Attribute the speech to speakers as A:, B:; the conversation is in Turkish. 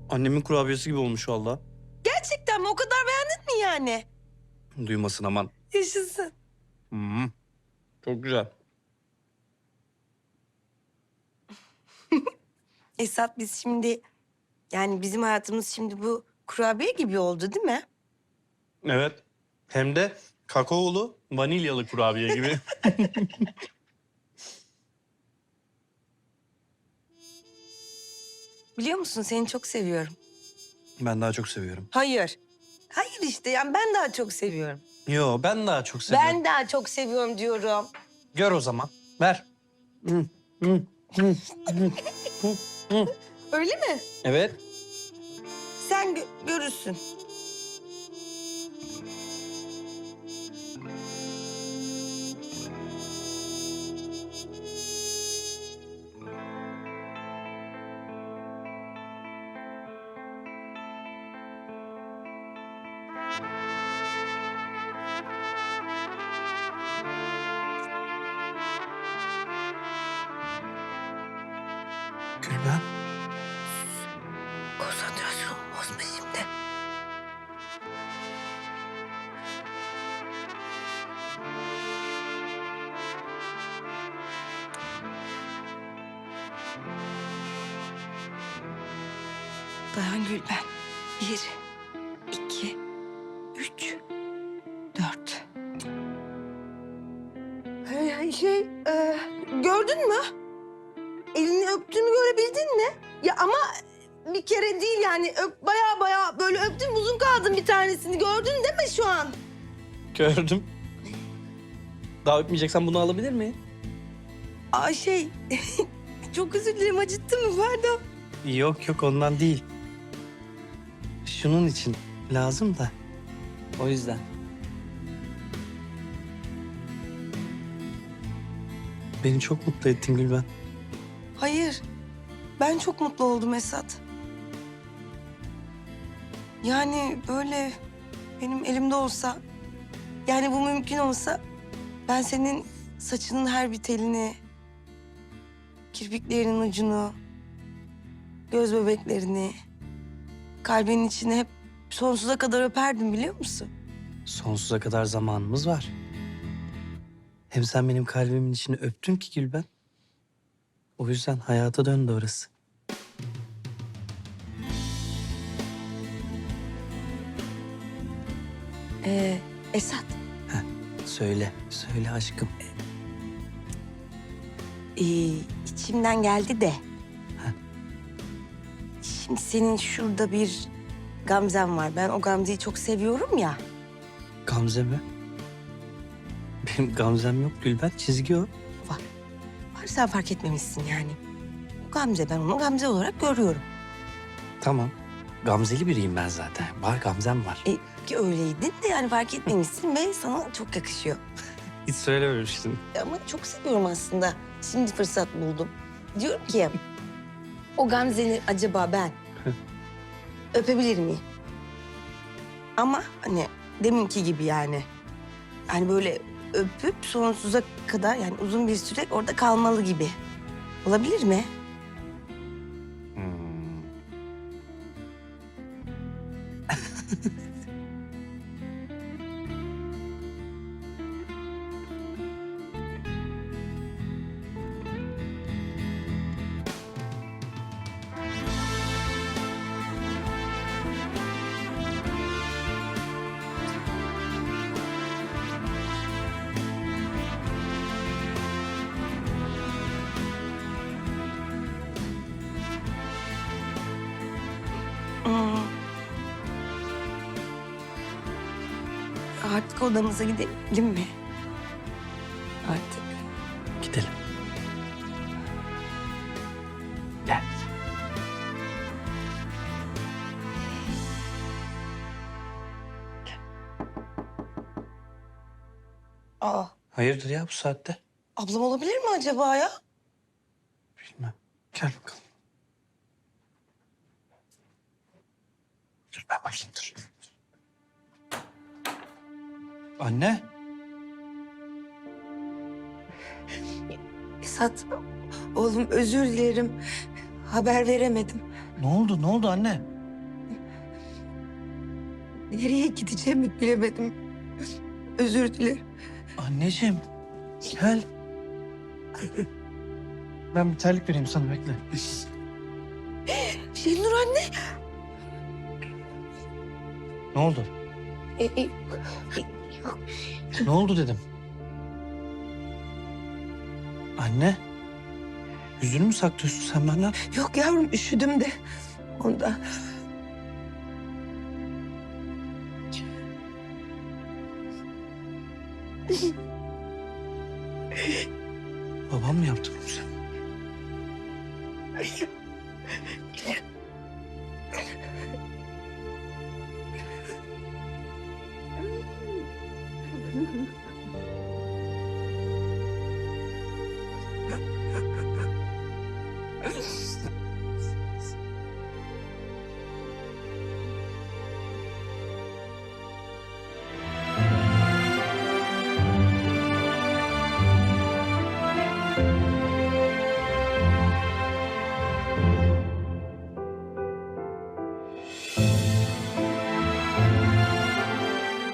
A: Annemin kurabiyesi gibi olmuş valla.
B: Gerçekten mi? O kadar beğendin mi yani?
A: Duymasın aman.
B: Yaşasın.
A: Çok güzel.
B: Esat biz şimdi... Yani bizim hayatımız şimdi bu kurabiye gibi oldu değil mi?
A: Evet. Hem de kakaolu, vanilyalı kurabiye gibi.
B: Biliyor musun seni çok seviyorum.
A: Ben daha çok seviyorum.
B: Hayır. Hayır işte yani ben daha çok seviyorum.
A: Yo, ben daha çok seviyorum.
B: Ben daha çok seviyorum diyorum.
A: Gör o zaman. Ver.
B: Öyle mi?
A: Evet.
B: Sen görürsün.
A: Gülben.
B: Konsantrasyonumu bozma şimdi. Dayan Gülben. 1, 2, 3, 4. Gördün mü? Elini öptüğümü görebildin mi? Ya ama bir kere değil yani baya böyle öptüm uzun kaldım bir tanesini. Gördün değil mi şu an?
A: Gördüm. Daha öpmeyeceksen bunu alabilir miyim?
B: Aa çok özür dilerim acıttı mı pardon.
A: Yok yok ondan değil. Şunun için lazım da. O yüzden. Beni çok mutlu ettin Gülben.
B: Hayır ben çok mutlu oldum Esat. Yani böyle benim elimde olsa yani bu mümkün olsa ben senin saçının her bir telini, kirpiklerinin ucunu, göz bebeklerini, kalbinin içine hep sonsuza kadar öperdim biliyor musun?
A: Sonsuza kadar zamanımız var. Hem sen benim kalbimin içini öptün ki Gülben. O yüzden hayata döndü orası.
B: Esat,
A: Söyle, söyle aşkım.
B: içimden geldi de. Şimdi senin şurada bir Gamzen var. Ben o Gamze'yi çok seviyorum ya.
A: Gamze mi? Benim Gamzem yok Gülben, çizgi o.
B: Var sen fark etmemişsin yani. O Gamze, ben onu Gamze olarak görüyorum.
A: Tamam, Gamzeli biriyim ben zaten. Var Gamzem var.
B: Ki öyleydin de yani fark etmemişsin ve sana çok yakışıyor.
A: Hiç söylememiştin.
B: Ama çok seviyorum aslında. Şimdi fırsat buldum. Diyorum ki o Gamze'ni acaba ben öpebilir miyim? Ama hani deminki gibi yani. Hani böyle öpüp sonsuza kadar yani uzun bir süre orada kalmalı gibi. Olabilir mi? Hmm. Artık odamıza gidelim mi? Artık.
A: Gidelim. Gel.
B: Aa,
A: Hayırdır ya bu saatte?
B: ablam olabilir mi acaba ya?
A: Bilmem. Gel bakalım. Dur ben bakayım dur. Anne.
B: Esat, oğlum özür dilerim. Haber veremedim.
A: Ne oldu? Ne oldu anne?
B: Nereye gideceğimi bilemedim. Özür dilerim.
A: Anneciğim gel. Ben bir terlik vereyim sana, bekle.
B: Şenur anne.
A: Ne oldu?
B: Yok.
A: Ne oldu dedim. Anne. Yüzünü mü saklıyorsun sen benden?
B: Yok yavrum, üşüdüm de ondan.
A: Babam mı yaptı bunu sana?